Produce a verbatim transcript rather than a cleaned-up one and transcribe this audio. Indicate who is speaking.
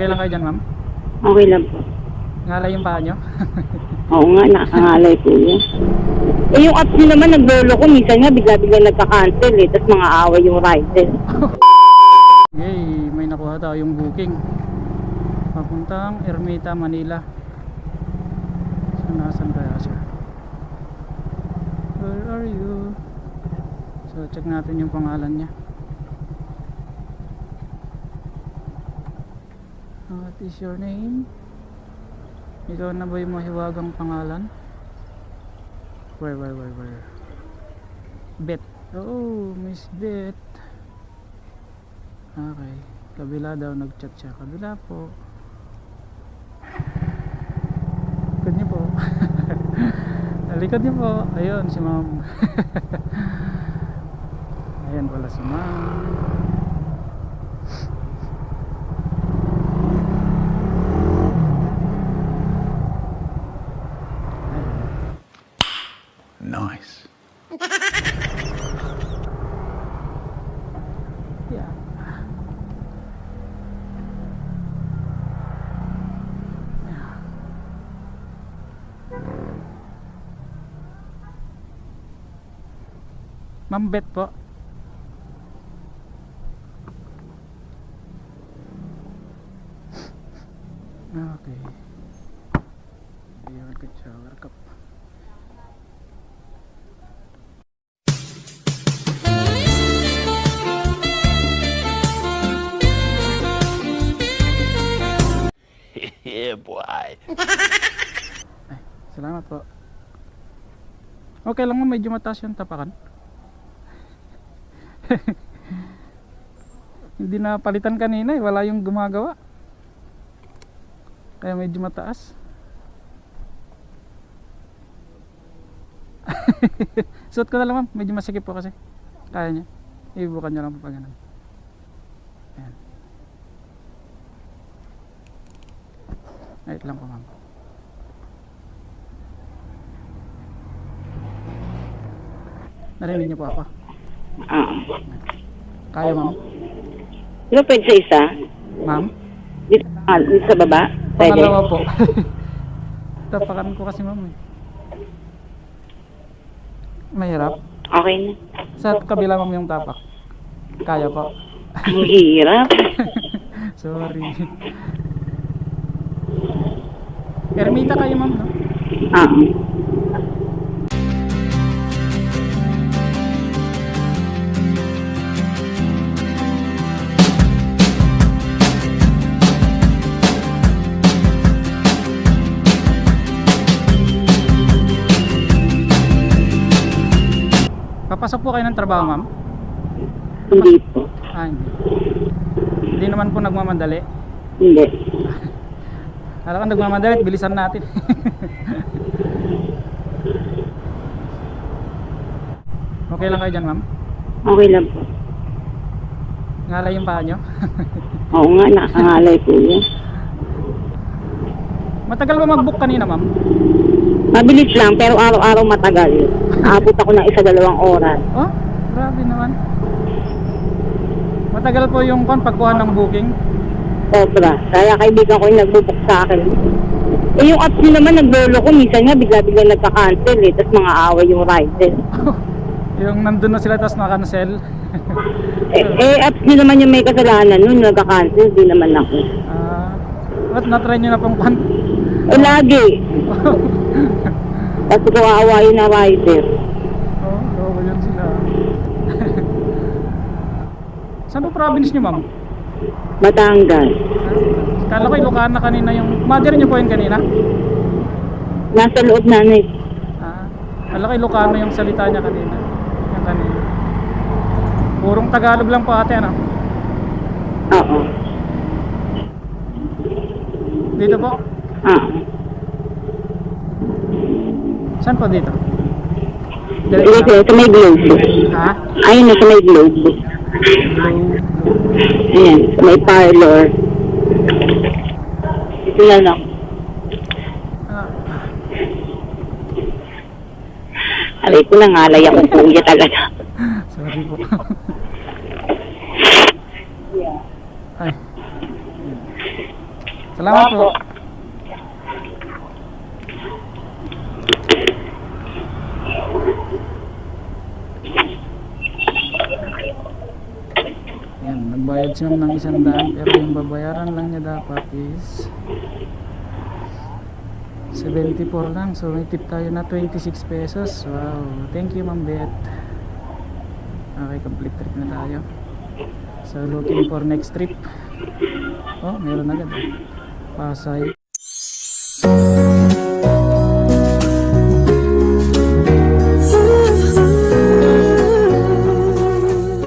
Speaker 1: Okay lang kayo dyan, ma'am?
Speaker 2: Okay lang po.
Speaker 1: Ngalay yung paa nyo?
Speaker 2: Oo nga, nakakangalay po yun. Eh, yung apps nyo naman, naglolo ko. Minsan nga, bigla-bigla nagka-cancel eh. Tapos mga away yung rider.
Speaker 1: Yay, may nakuha tayong booking. Papuntang Ermita, Manila. So, nasan kaya siya? Where are you? So, check natin yung pangalan niya. What is your name? Ikaw na ba yung mahiwagang pangalan? Where, where, where, where? Bet. Oh, Miss Bet. Okay. Kabila daw nag-chat siya. Kabila po. Likod niyo po. Likod niyo po. Ayun, si ma'am. Ayan pala si ma'am.
Speaker 3: Nice.
Speaker 1: Yeah. Ma'am Bet po. Okay. Ayun, good shower cup.
Speaker 3: Yeah, boy.
Speaker 1: Ay, salamat po. Okay lang mo, medyo mataas yung tapakan. Hindi na palitan kanina eh, wala yung gumagawa. Kaya medyo mataas. Suot ko na lang ma'am, medyo masikip po kasi. Kaya niya. Ibukan niya lang po pag ganun. Ayan. Wait lang po ma'am. Narinig niyo po ako.
Speaker 2: Ah.
Speaker 1: Kaya ma'am?
Speaker 2: Di ba pwede sa isa?
Speaker 1: Ma'am?
Speaker 2: Dito, ah, dito sa baba? Pwede?
Speaker 1: Pangalawa po. Tapakan ko kasi ma'am eh. Mahirap.
Speaker 2: Okay na.
Speaker 1: Sa kabila ma'am yung tapak. Kaya po.
Speaker 2: Ang hirap.
Speaker 1: Sorry. Ermita kayo ma'am, no?
Speaker 2: Ah.
Speaker 1: Papasok po kayo ng trabaho ma'am?
Speaker 2: Hindi po.
Speaker 1: Ah, hindi. Hindi naman po nagmamadali.
Speaker 2: Hindi.
Speaker 1: Alam ka nagmamadali, bilisan natin. Okay lang kayo dyan ma'am?
Speaker 2: Okay lang po.
Speaker 1: Ngalay yung paa nyo?
Speaker 2: Oo nga, nakakangalay po yun.
Speaker 1: Matagal ba mag-book kanina ma'am?
Speaker 2: Mabilis lang, pero araw-araw matagal. Aabot ako ng isa dalawang oras.
Speaker 1: Oh, grabe naman. Matagal po yung kon pagkuha ng booking.
Speaker 2: Sobra. Kaya kaibigan ko yung nagbubuk sa akin. Eh, yung apps nyo naman, naglolo ko. Minsan nga, bigla-bigla nagka-cancel eh. Tapos mga away yung rider.
Speaker 1: Yung nandun na sila tapos naka-cancel.
Speaker 2: eh, eh, apps nyo naman yung may kasalanan nun. Nagka-cancel, di naman ako.
Speaker 1: Ah, what na-try nyo na pong kon?
Speaker 2: Eh, lagi. Tapos ko aawayin na rider.
Speaker 1: Oh, loko yun sila. Saan po province nyo ma'am?
Speaker 2: Batangas.
Speaker 1: Kala ko Ilocana kanina yung... Mother nyo po yun kanina?
Speaker 2: Nasa loob na eh.
Speaker 1: Ah, kala ko Ilocano yung salita niya kanina. Yung kanina. Purong Tagalog lang po ate, ano?
Speaker 2: Oo.
Speaker 1: Dito po?
Speaker 2: Ah.
Speaker 1: Saan po dito?
Speaker 2: Dito, sa may globe.
Speaker 1: Ha?
Speaker 2: Ayun na, sa may globe. Ayan, sa may parlor. Dito na lang.
Speaker 1: Ah,
Speaker 2: Alay ko, nangalay ako kuya talaga.
Speaker 1: sorry po. Ay. Salamat po. Yan, nagbayad siya ng isang daan pero yung babayaran lang niya dapat is seventy-four lang. So may tip tayo na twenty-six pesos. Wow, thank you Ma'am Beth. Okay, complete trip na tayo. So looking for next trip. Oh, meron agad eh. Pasay.